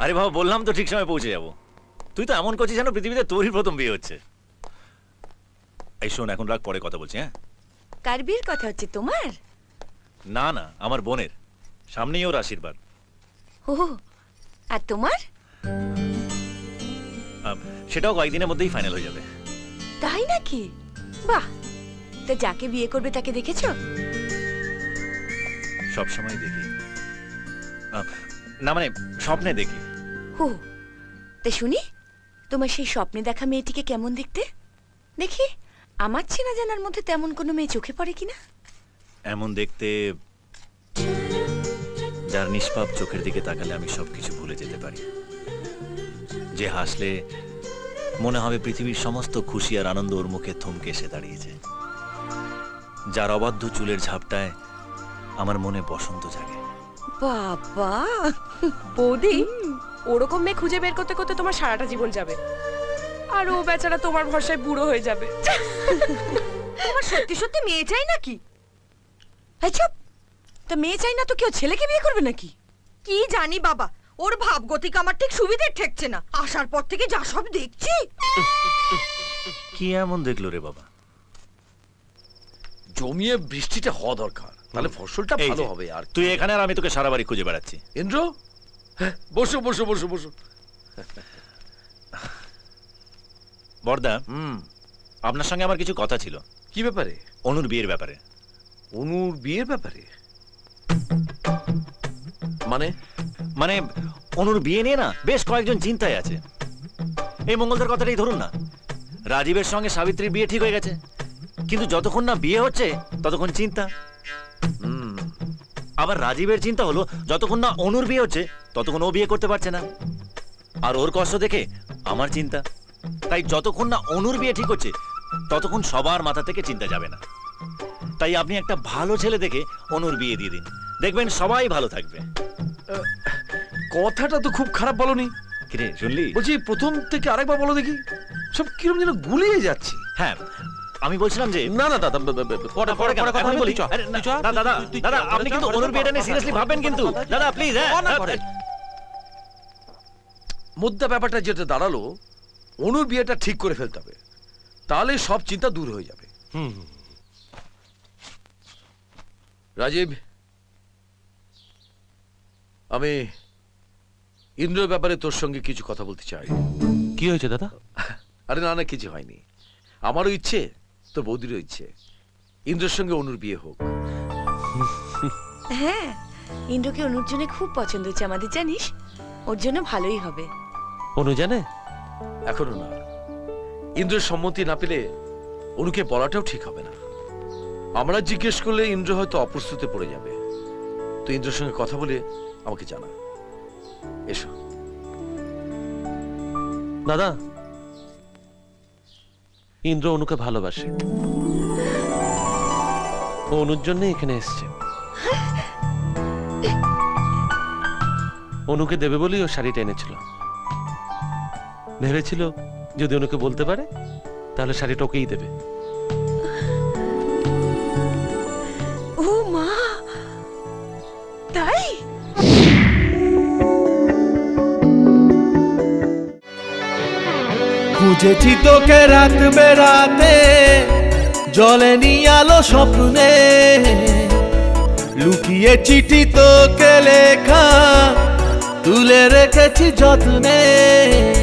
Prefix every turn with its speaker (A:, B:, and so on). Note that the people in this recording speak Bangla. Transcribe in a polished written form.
A: আরে বাবা, বললাম তো ঠিক সময় পৌঁছে যাবো। তুই তো এমন করছিস যেন পৃথিবীতে তোরই প্রথম বিয়ে হচ্ছে। এই শোন, এখন রাখ, পরে কথা বলছি। হ্যাঁ,
B: কার বিয়ের কথা হচ্ছে? তোমার?
A: না না, আমার বোনের। সামনেই ওর আশীর্বাদ।
B: ও, আর তোমার?
A: সেটাও কয়েকদিনের মধ্যেই ফাইনাল হয়ে যাবে।
B: তাই নাকি? বাহ। তা যাকে বিয়ে করবে তাকে দেখেছো?
A: সব সময় দেখি না, মানে স্বপ্নে দেখি।
B: ও, তা শুনি, তোমার সেই স্বপ্নে দেখা মেয়েটিকে কেমন দেখতে? দেখি আমার চেনা জানার মধ্যে তেমন কোনো মেয়ে চোখে পড়ে কিনা।
A: এমন দেখতে যার নিষ্পাপ চোখের দিকে তাকালে আমি সবকিছু ভুলে যেতে পারি, যে হাসলে মনে হবে পৃথিবীর সমস্ত খুশি আর আনন্দ ওর মুখে থমকে এসে দাঁড়িয়েছে, যার অবাধ্য চুলের ঝাপটায় আমার মনে বসন্ত জাগে।
B: বাবা,
C: বৌদি, ওরকম মেয়ে খুঁজে বের করতে করতে তোমার সারাটা জীবন যাবে, আর ও বেচারা তোমার ভরসায় বুড়ো হয়ে যাবে।
B: তোমার সত্যি সত্যি মেয়ে চাই নাকি? এই চুপ! তা মেয়ে চাই না তো কেউ ছেলেকে বিয়ে করবে নাকি?
D: কি জানি বাবা, ওর ভাবগতিক আমার ঠিক সুবিধে ঠেকছে না। আসার পর থেকে যা সব দেখছি।
A: কি এমন দেখলো রে বাবা?
E: জমিয়ে বৃষ্টিটা হওয়া দরকার, তাহলে ফসলটা
A: এই
E: ভালো
A: যে,
E: হবে। আর
A: তুই এখানে আর আমি তোকে সারা বাড়ি খুঁজে বেড়াচ্ছি।
E: ইন্দ্র, হ্যাঁ, বসো বসো বসো বসো।
A: বর্দা, আপনার সঙ্গে আমার কিছু কথা ছিল।
E: কি ব্যাপারে?
A: অনুর বিয়ের ব্যাপারে।
E: অনুর বিয়ের ব্যাপারে? মানে
A: মানে অনুর বিয়ে নিয়ে না বেশ কয়েকজন চিন্তায় আছে। এই মঙ্গলদার কথাটাই ধরুন না, রাজীবের সঙ্গে সাবিত্রীর বিয়ে ঠিক হয়ে গেছে, কিন্তু যতক্ষণ না বিয়ে হচ্ছে ততক্ষণ চিন্তা। আবার রাজীবের চিন্তা হলো যতক্ষণ না অনুর বিয়ে হচ্ছে ততক্ষণ ও বিয়ে করতে পারছে না, আর ওর কষ্ট দেখে আমার চিন্তা। তাই যতক্ষণ না অনুর বিয়ে ঠিক হচ্ছে ততক্ষণ সবার মাথা থেকে চিন্তা যাবে না। তাই আপনি একটা ভালো ছেলে দেখে অনুর বিয়ে দিয়ে দিন, দেখবেন সবাই ভালো থাকবে।
E: কথাটা তো খুব খারাপ বলনি।
A: কিরে, শুনলি?
E: বলছি প্রথম থেকে আরেকবার বলো দেখি। সব কিরকম যেন গুলিয়ে যাচ্ছে।
A: হ্যাঁ, আমি বলছিলাম যে
E: না না দাদা,
A: পরে কথা বলি। আরে না, দাদা দাদা, আপনি কিন্তু অনুর বিয়েটা নিয়ে সিরিয়াসলি ভাববেন কিন্তু। দাদা প্লিজ।
E: মুদ্রা ব্যাপারটা যেটা দাঁড়ালো, অনুর বিয়েটা ঠিক করে ফেলতে হবে, তাহলে সব চিন্তা দূর হয়ে যাবে। রাজীব, আমি ইন্দ্রের ব্যাপারে তোর সঙ্গে কিছু কথা বলতে চাই।
F: কি হয়েছে দাদা?
E: আরে না না, কিছু হয়নি। আমারও ইচ্ছে, তোর বৌদিরও ইচ্ছে, ইন্দ্রের সঙ্গে অনুর বিয়ে হোক।
B: হ্যাঁ, ইন্দ্রকে অনুর জন্য খুব পছন্দ হচ্ছে আমাদের, জানিস? ওর জন্য ভালোই হবে।
F: অনু জানে?
E: এখনো না। ইন্দ্রের সম্মতি না পেলে অনুকে বলাটাও ঠিক হবে না। আমরা জিজ্ঞেস করলে ইন্দ্র হয়তো অপ্রস্তুতে পড়ে যাবে। তুই ইন্দ্রের সঙ্গে কথা বলে আমাকে জানা। এসো।
F: দাদা, ইন্দ্র অনুকে ভালোবাসে, ও অনুর জন্য এখানে এসছে। অনুকে দেবে বলেই ও শাড়িটা এনেছিল। ভেবেছিল যদি অনুকে বলতে পারে তাহলে শাড়িটা ওকেই দেবে।
B: ও মা, তাই?
G: খুঁজেছি তোকে রাত বেরাতে, জলেনি আলো স্বপ্নে, লুকিয়ে চিঠি তোকে লেখা তুলে রেখেছি যত্নে।